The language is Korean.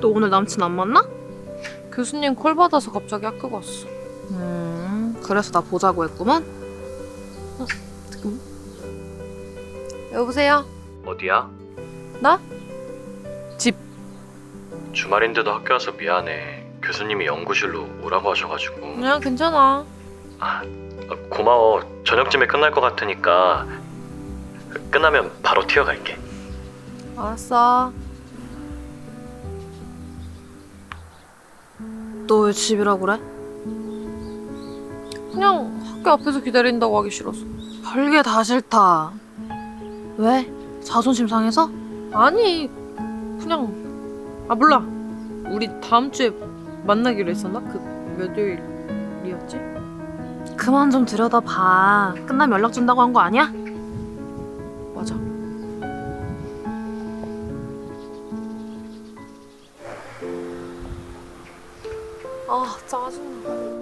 너 오늘 남친 안 만나? 교수님 콜 받아서 갑자기 학교 갔어. 그래서 나 보자고 했구만? 여보세요? 어디야? 나? 집. 주말인데도 학교 와서 미안해. 교수님이 연구실로 오라고 하셔가지고. 그냥 괜찮아. 고마워. 저녁쯤에 끝날 것 같으니까 끝나면 바로 튀어갈게. 알았어. 너 왜 집이라 그래? 그냥 학교 앞에서 기다린다고 하기 싫어서. 별게 다 싫다. 왜? 자존심 상해서? 아니, 그냥 몰라. 우리 다음 주에 만나기로 했었나? 그 몇 요일이었지? 그만 좀 들여다봐. 끝나면 연락 준다고 한 거 아니야? 맞아. 짜증나.